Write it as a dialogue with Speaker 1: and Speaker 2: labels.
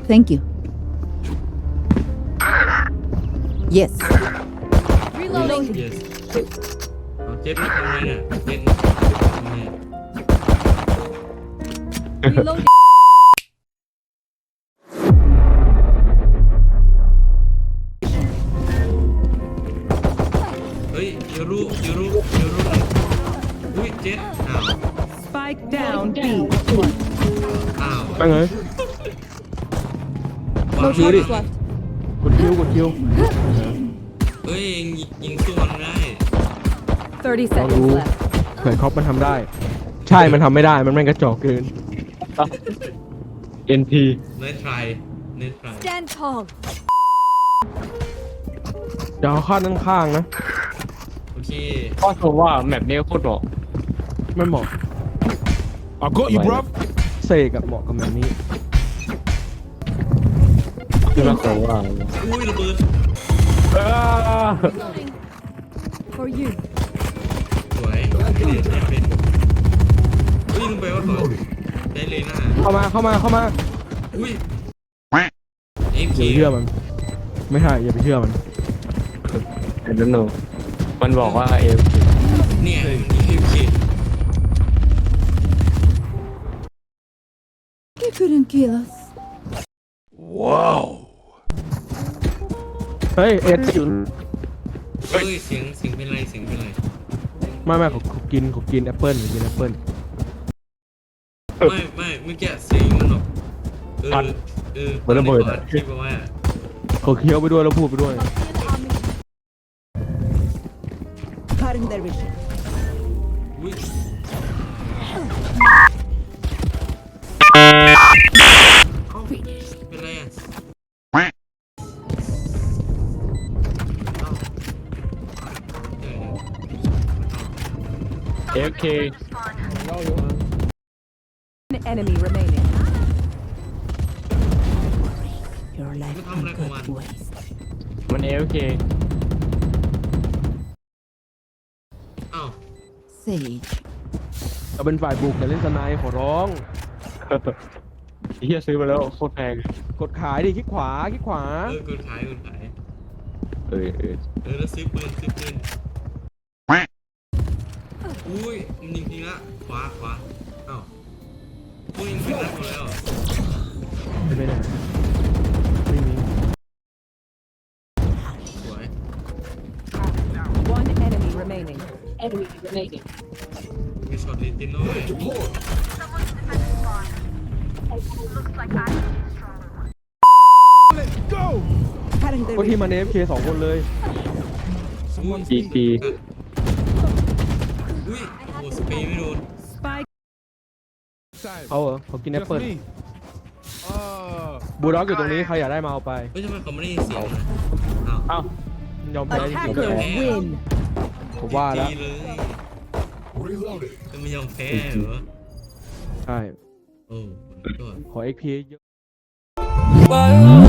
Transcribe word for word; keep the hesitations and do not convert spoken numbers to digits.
Speaker 1: Thank you. Yes.
Speaker 2: Reloading.
Speaker 3: yes เอาเจ็ดนี่ทำไงเนี่ยเจ็ดทำไง
Speaker 2: Reloading.
Speaker 3: เฮ้ยยูรุยูรุยูรุหน่อยอุ้ยเจ็ดอ้าว
Speaker 2: Spike down B.
Speaker 3: อ้าว
Speaker 4: ไปไง
Speaker 3: วาง
Speaker 4: คิวดิ
Speaker 2: left.
Speaker 4: กดคิวกดคิว
Speaker 3: เฮ้ยยิงยิงสู้มันได้
Speaker 2: Thirty
Speaker 4: ลองดู
Speaker 2: seconds left.
Speaker 4: เผื่อคอปมันทำได้ ใช่ มันทำไม่ได้ มันแม่งกระจอกเกิน เอ็น พี
Speaker 3: เนิร์ดทรายเนิร์ดทราย
Speaker 2: Stand tall.
Speaker 4: จะเอาข้างข้างๆนะ
Speaker 3: โอเค
Speaker 5: ก็ชมว่าแมปนี้โคตรเหมาะ
Speaker 4: ไม่เหมาะ
Speaker 6: I got you, bruv.
Speaker 4: เซกับเหมาะกับแบบนี้
Speaker 5: คือมาขอว่า
Speaker 3: อุ้ยระเบิด
Speaker 2: For you.
Speaker 3: สวยไม่ได้ใช้เป็นอุ้ยลงไปว่าก่อนได้เลยหน้า
Speaker 4: เข้ามาเข้ามาเข้ามา
Speaker 3: อุ้ยเอ็ม
Speaker 4: อย่า
Speaker 3: เค
Speaker 4: ไปเชื่อมัน ไม่ใช่อย่าไปเชื่อมัน
Speaker 5: เห็นแล้วหนูมันบอกว่าเอฟ
Speaker 3: เนี่ยเอ็มเค
Speaker 1: You couldn't kill us.
Speaker 4: เฮ้ย เอ็ดอยู่
Speaker 3: เฮ้ยเสียงเสียงเป็นไรเสียงเป็นไร
Speaker 4: ไม่ไม่เขาเขากินเขากินแอปเปิ้ลเขากินแอปเปิ้ล
Speaker 3: ไม่ไม่เมื่อกี้เสียงมันแบบเออเออเหมือนระเบิดคิดว่า
Speaker 4: เขาเคี้ยวไปด้วยแล้วพูดไปด้วย
Speaker 1: Cutting their vision.
Speaker 3: อุ้ยเอ้าเป็นไรอ่ะเอ้าเดี๋ยว
Speaker 5: เอฟเค
Speaker 2: One enemy remaining.
Speaker 1: Your life
Speaker 3: Look how
Speaker 1: can
Speaker 3: black
Speaker 1: go
Speaker 3: one.
Speaker 1: to waste.
Speaker 5: มันเอฟเค
Speaker 3: เอ้า
Speaker 1: Sage.
Speaker 4: เราเป็นฝ่ายบุกแต่เล่นสไนด์ขอร้อง
Speaker 5: เฮียซื้อมาแล้วโคตรแพง
Speaker 4: กดขายดิคลิกขวาคลิกขวา
Speaker 3: เออกดขายกดขาย
Speaker 5: เออเออ
Speaker 3: เออแล้วซื้อปืนซื้อปืนอุ้ยมันยิงทีละขวาขวาเอ้าอุ้ยยิงเป็นนัดหมดแล้ว
Speaker 4: ไม่ได้ไม่มี
Speaker 3: สวย
Speaker 2: One enemy remaining.
Speaker 3: มีช็อตลิติโน่เลย
Speaker 6: Let's go.
Speaker 1: Cutting their
Speaker 4: ก็ที่
Speaker 1: vision.
Speaker 4: มันเอฟเคสองคนเลย
Speaker 3: อุ้ย
Speaker 5: จีจี
Speaker 3: อุ้ยโอ้สเปรย์ไม่โดน
Speaker 2: Spike
Speaker 4: เขาเหรอเขากินแอป
Speaker 6: Just
Speaker 4: เปิ้ล
Speaker 6: me. Uh,
Speaker 4: บูลด็อกอยู่ตรงนี้ใครอยากได้มาเอาไป
Speaker 3: เฮ้ยทำไมเขาไม่ได้ยินเสียงเลยอ้าว
Speaker 5: เอ้าย
Speaker 4: อมแพ้จริง
Speaker 2: attackers win.
Speaker 4: ๆผมว่าแล้ว
Speaker 3: ดีเลยจะไม่ยอมแพ้เหรอ
Speaker 4: ใช่
Speaker 3: โอ้ก็
Speaker 4: ขอเอ็กพีเยอะ
Speaker 7: Why